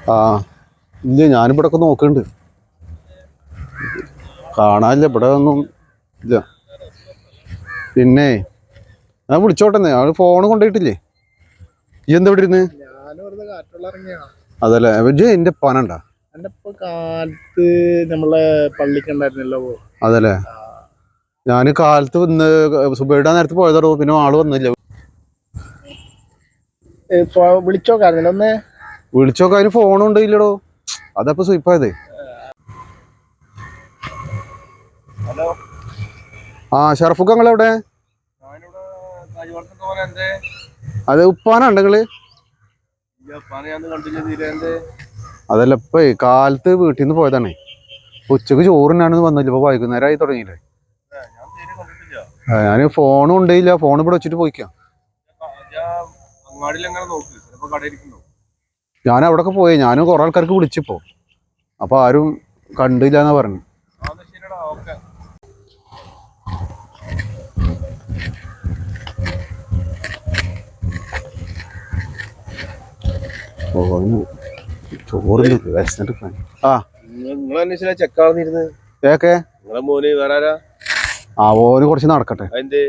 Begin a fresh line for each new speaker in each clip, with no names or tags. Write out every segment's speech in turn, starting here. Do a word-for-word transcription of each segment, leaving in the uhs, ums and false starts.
ആ ഇല്ല ഞാനിവിടെ ഒക്കെ നോക്കുന്നുണ്ട്. കാണാനില്ല, ഇവിടെ ഒന്നും ഇല്ല. പിന്നെ ഞാൻ വിളിച്ചോട്ടെ, അവള് ഫോണ് കൊണ്ടുപോയിട്ടില്ലേ? ഈ എന്താ ഇവിടെ ഇരുന്ന്? അതല്ലേ എന്റെ പനണ്ട
കാലത്ത് നമ്മളെ പള്ളിക്കുണ്ടായിരുന്നല്ലോ.
അതല്ലേ ഞാന് കാലത്ത് വന്ന് സുബൈഡ നേരത്തെ പോയതോ, പിന്നെ ആള് വന്നില്ല.
വിളിച്ചോക്കായിരുന്നല്ലോ ഒന്ന്.
വിളിച്ചോക്കെ അതിന് ഫോണും ഉണ്ടല്ലോ. അതപ്പോ സ്വീപ്പായതേ.
ഹലോ
ആ ഷറഫുക്ക നിങ്ങളെവിടെ? അത് ഉപ്പാനാ നിങ്ങള്? അതല്ല ഇപ്പൊ കാലത്ത് വീട്ടിൽ നിന്ന് പോയതാണേ. ഉച്ചക്ക് ചോറിനാണെന്ന് വന്നില്ല. ഇപ്പൊ വൈകുന്നേരം ആയി തുടങ്ങിയില്ലേ. ഞാന് ഫോണും ഉണ്ടല്ല, ഫോൺ ഇവിടെ വെച്ചിട്ട് പോയിക്കാം. ഞാൻ അവിടെയൊക്കെ പോയി, ഞാനും കുറെ ആൾക്കാർക്ക് വിളിച്ചിപ്പോ, അപ്പൊ ആരും കണ്ടില്ല എന്നാ പറഞ്ഞു. ചോറ് ആ ആ ഓന് കുറച്ച് നടക്കട്ടെ.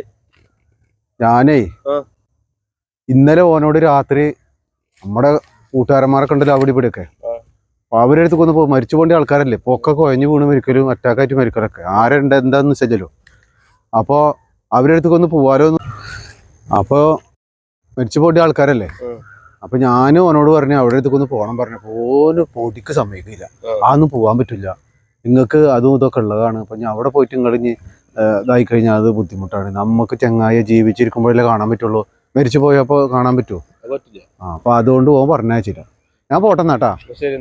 ഞാനേ ഇന്നലെ ഓനോട് രാത്രി നമ്മുടെ കൂട്ടുകാരന്മാരൊക്കെ ഉണ്ടല്ലോ അവിടെ ഇവിടെയൊക്കെ, അപ്പൊ അവരുടെ അടുത്ത് കൊന്ന് മരിച്ചു പോകേണ്ട ആൾക്കാരല്ലേ, പൊക്കെ കുഴഞ്ഞു വീണ് മരിക്കലും അറ്റാക്കായിട്ട് മരിക്കലൊക്കെ ആരുണ്ട് എന്താന്ന് വെച്ചല്ലോ. അപ്പൊ അവരുടെ അടുത്ത് കൊന്ന് പോവാലോ. അപ്പൊ മരിച്ചു പോകേണ്ട ആൾക്കാരല്ലേ. അപ്പൊ ഞാനും ഓനോട് പറഞ്ഞു അവിടെ അടുത്തൊന്ന് പോകണം പറഞ്ഞു. ഓന് പൊടിക്ക് സമ്മതിക്കില്ല, അതൊന്നും പോകാൻ പറ്റില്ല, നിങ്ങൾക്ക് അതും ഇതൊക്കെ ഉള്ളതാണ്. അപ്പൊ ഞാൻ അവിടെ പോയിട്ട് നിങ്ങളിഞ്ഞ് ഇതായി കഴിഞ്ഞാൽ അത് ബുദ്ധിമുട്ടാണ്. നമുക്ക് ചങ്ങായി ജീവിച്ചിരിക്കുമ്പോഴല്ലേ കാണാൻ പറ്റുള്ളൂ, മരിച്ചു പോയപ്പോ കാണാൻ പറ്റുമോ? ആ അപ്പൊ അതുകൊണ്ട് പോകാൻ പറഞ്ഞയച്ചില്ല. ഞാൻ പോട്ടെന്നാട്ടാ.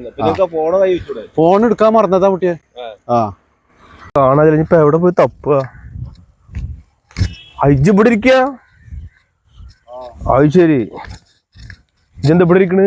ഫോൺ എടുക്കാൻ മറന്നതാ കുട്ടിയെ. ആ
കാണാ ഇപ്പൊ എവിടെ പോയി തപ്പുക? അയ്ജ് ഇവിടെ ഇരിക്ക? അത് ശരി, ഇജെന്താ ഇവിടെ ഇരിക്കണ്?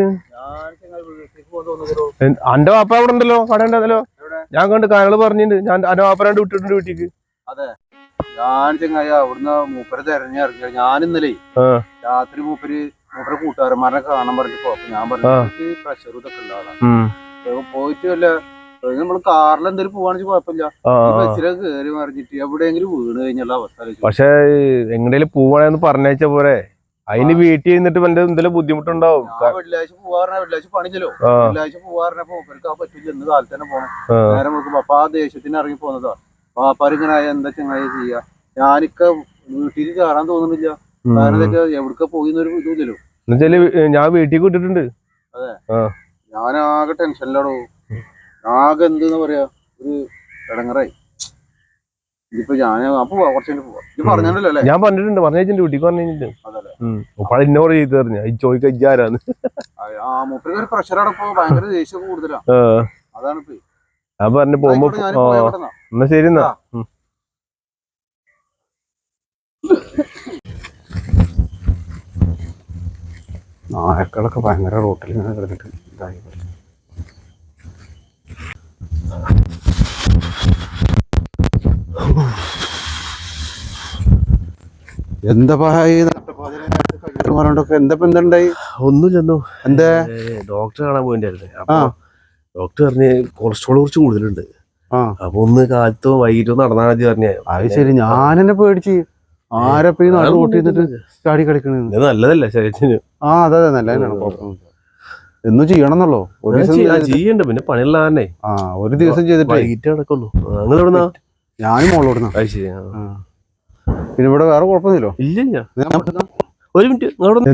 അന്റെ വാപ്പ അവിടെ ഉണ്ടല്ലോ, കട ഉണ്ടല്ലോ. ഞാൻ കണ്ട് കാര്യങ്ങൾ പറഞ്ഞിട്ടുണ്ട്. ഞാൻ അന്റെ വാപ്പരാണ്ട് വിട്ടിട്ടുണ്ട് വീട്ടിക്ക്.
അതെ ഞാൻ ചങ്ങായി അവിടുന്ന് മൂപ്പര് തെരഞ്ഞിറങ്ങി. ഞാൻ ഇന്നലെ രാത്രി മൂപ്പര് മൂപ്പര് കൂട്ടുകാരന്മാരെ കാണാൻ പറഞ്ഞപ്പോ ഞാൻ പറഞ്ഞു പ്രഷർ ഇതൊക്കെ ഉണ്ടാകാം പോയിട്ട് വല്ല നമ്മള് കാറിൽ എന്തെങ്കിലും പോവാണെന്ന് കുഴപ്പമില്ല, ബസ്സിലൊക്കെ കയറി മറിഞ്ഞിട്ട് എവിടെയെങ്കിലും വീണ് കഴിഞ്ഞുള്ള അവസ്ഥ.
പക്ഷെ എങ്ങടേലും പോവാണെന്ന് പറഞ്ഞേച്ച പോരെ, അതിന് വീട്ടിൽ നിന്നിട്ട് എന്തെങ്കിലും ബുദ്ധിമുട്ടുണ്ടാവും.
വെള്ളിയാഴ്ച പോവാറ വെള്ളിയാഴ്ച പണിച്ചല്ലോ, വെള്ളിയാഴ്ച പോവാറിനപ്പോ മൂപ്പർക്ക് ആ പറ്റില്ല, ഇന്ന് കാലത്ത് തന്നെ പോകണം. നേരം നോക്കുമ്പോ അപ്പൊ ആ ദേഷ്യത്തിന് ഇറങ്ങി പോന്നതാ. പാപ്പാരിങ്ങനെ ആയ എന്താ ചങ്ങായി ചെയ്യാ? ഞാനിക്ക വീട്ടിൽ കയറാൻ തോന്നുന്നില്ല, കാരണം എന്താ എവിടക്ക പോയിന്നൊരു ഇതുമില്ലല്ലോ.
ഞാൻ വീട്ടിൽ വിട്ടിട്ടുണ്ട്.
അതെ ഞാൻ ആകെ ടെൻഷനിലാണോ, ആകെ എന്തെന്ന് പറയാ, ഒരു ഇടങ്ങറായി. ഇതിപ്പോ ഞാൻ അപ്പൊ കുറച്ചു പോവാ. ഇത് പറഞ്ഞല്ലോ അല്ലേ?
ഞാൻ പറഞ്ഞിട്ടുണ്ട്, പറഞ്ഞിട്ടുണ്ട്, വീട്ടിൽ പറഞ്ഞിട്ടുണ്ട്. ഉപ്പാട് ഇന്നോട് ചെയ്ത് പറഞ്ഞു ചോദിക്കാരാന്ന്.
ആ മൂപ്പര് ഒരു പ്രഷറടപ്പോ ഭയങ്കര ദേഷ്യം കൂടുതലാ. അതാണ് ഇപ്പൊ
ഞാൻ പറഞ്ഞു പോകുമ്പോ. എന്നാ ശരി എന്നാ.
നായക്കളൊക്കെ ഭയങ്കര റോട്ടിൽ ഇങ്ങനെ കിടന്നിട്ട് ഇതായി. എന്താ എന്താ എന്താണ്ടായി?
ഒന്നുമില്ലെന്നോ.
എന്താ
ഡോക്ടറെ കാണാൻ പോയിണ്ടായിരുന്നേ. അപ്പൊ ഡോക്ടർ പറഞ്ഞ് കൊളസ്ട്രോൾ കുറച്ച് കൂടുതലുണ്ട്, അപ്പൊ ഒന്ന് കാലത്തോ വൈകിട്ടോ നടന്നാൽ മതി പറഞ്ഞേ.
അത് ശരി, ഞാനെന്നെ പേടിച്ച് ആരപ്പ ഈ നാട് റോട്ടിൽ നിന്നിട്ട് ചാടി കളിക്കണത്.
നല്ലതല്ലേ ശരീരത്തിന്?
ആ അതെ അതെ നല്ലതിനാണ്, കുഴപ്പമൊന്നുമില്ല. എന്നും ചെയ്യണം എന്നല്ലോ. ഒരു ദിവസം
ചെയ്യണ്ട, പിന്നെ പണിയുള്ള തന്നെ.
ആ ഒരു ദിവസം ചെയ്തിട്ട്
വൈകിട്ട് നടക്കുള്ളൂ. നിങ്ങൾ എവിടുന്നാ?
ഞാനും മോളോടുന്ന.
അത് ശരി.
പിന്നെ ഇവിടെ വേറെ കുഴപ്പമൊന്നുമില്ലോ?
ഇല്ല. ഒരു മിനിറ്റ്,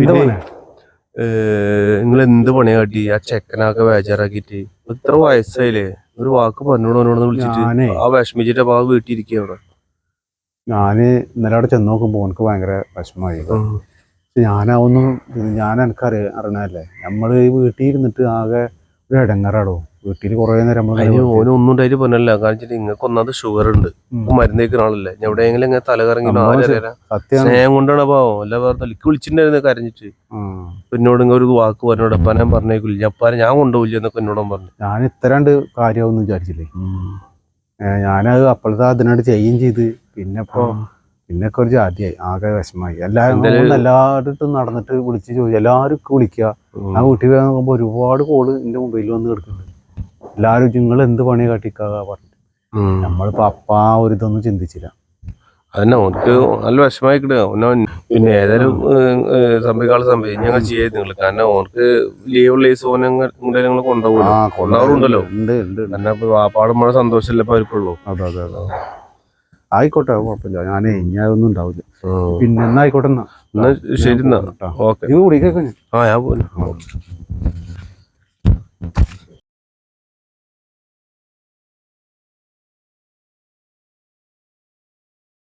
നിങ്ങൾ എന്ത് പണിയാ കാട്ടി? ആ ചെക്കനൊക്കെ ബേജാറാക്കിട്ട് ഇത്ര വയസ്സായില്ലേ, ഒരു വാക്ക് പറഞ്ഞോളൂ എന്നോട് വിളിച്ചിട്ട്. ആ വിഷമിച്ചിട്ട് അപ്പൊ ആ വീട്ടിലിരിക്കുക അവിടെ.
ഞാന് ഇന്നലെ അവിടെ ചെന്ന് നോക്കുമ്പോ എനിക്ക് ഭയങ്കര വിഷമമായി. ഞാനാവുന്നു ഞാൻ എനിക്കറിയ അറിയണല്ലേ, നമ്മള് ഈ വീട്ടിൽ ഇരുന്നിട്ട് ആകെ ഒരു ഇടങ്ങറാടോ. വീട്ടിൽ കുറെ നേരം
ഓനും ഒന്നും ഉണ്ടായിട്ട് പറഞ്ഞല്ല, കാരണം നിങ്ങൾക്ക് ഒന്നാമത് ഷുഗർ ഉണ്ട്, മരുന്ന് കഴിക്കുന്ന ആളല്ലേ. എവിടെയെങ്കിലും ഇങ്ങനെ തലകറങ്ങി സ്നേഹം കൊണ്ടാണ് പാവം. അല്ല പറഞ്ഞ വിളിച്ചിട്ടുണ്ടായിരുന്നു കരഞ്ഞിട്ട്. എന്നോട് ഇങ്ങനെ ഒരു വാക്ക് പറഞ്ഞോട് അപ്പ ഞാൻ പറഞ്ഞേക്കില്ല, അപ്പാനെ ഞാൻ കൊണ്ടുപോയില്ല എന്നൊക്കെ എന്നോടും പറഞ്ഞു.
ഞാൻ ഇത്തരണ്ട് കാര്യമാവെന്ന് വിചാരിച്ചില്ലേ. ഞാനത് അപ്പോഴത്തെ അതിനോട് ചെയ്യുകയും ചെയ്ത്. പിന്നെ ഇപ്പൊ പിന്നൊക്കെ ഒരു ജാതിയായി ആകെ വിഷമായി എല്ലാവരും എല്ലായിടത്തും നടന്നിട്ട് വിളിച്ച് ചോദിച്ചു എല്ലാവരും വിളിക്കുക. ഞാൻ വീട്ടിൽ പോയി നോക്കുമ്പോൾ ഒരുപാട് കോള് എൻ്റെ മൊബൈലിൽ വന്ന് കിടക്കുന്നുണ്ട്. എല്ലാവരും നിങ്ങൾ എന്ത് പണി കാട്ടിക്കാ പറഞ്ഞിട്ട് നമ്മളിപ്പോൾ അപ്പം ആ ഒരു ഇതൊന്നും ചിന്തിച്ചില്ല.
അതന്നെ ഓനക്ക് നല്ല വിഷമായി കിട്ടുക. പിന്നെ ഏതായാലും സംഭവിക്കാനുള്ള സംഭവം ഞങ്ങൾ ചെയ്യാം നിങ്ങൾ. കാരണം ഓനക്ക് ലീവുള്ള ഈ സോനങ്ങൾ നിങ്ങൾ കൊണ്ടുപോകുമല്ലോ, കൊണ്ടാവാറുണ്ടല്ലോ. കാരണം വാപ്പാടുമ്പോൾ സന്തോഷമല്ലേ ഇപ്പൊ അവർക്കുള്ളൂ.
അതെ അതെ അതെ ആയിക്കോട്ടെ, കുഴപ്പമില്ല. ഞാനേ ഇനി അതൊന്നും ഉണ്ടാവില്ല. പിന്നെ എന്നാ ആയിക്കോട്ടെ. എന്നാ
എന്നാ ശരി. എന്നാ ഓക്കെ.
നിങ്ങൾ കുടിക്കൊക്കെ
ആ ഞാൻ പോകുന്നു.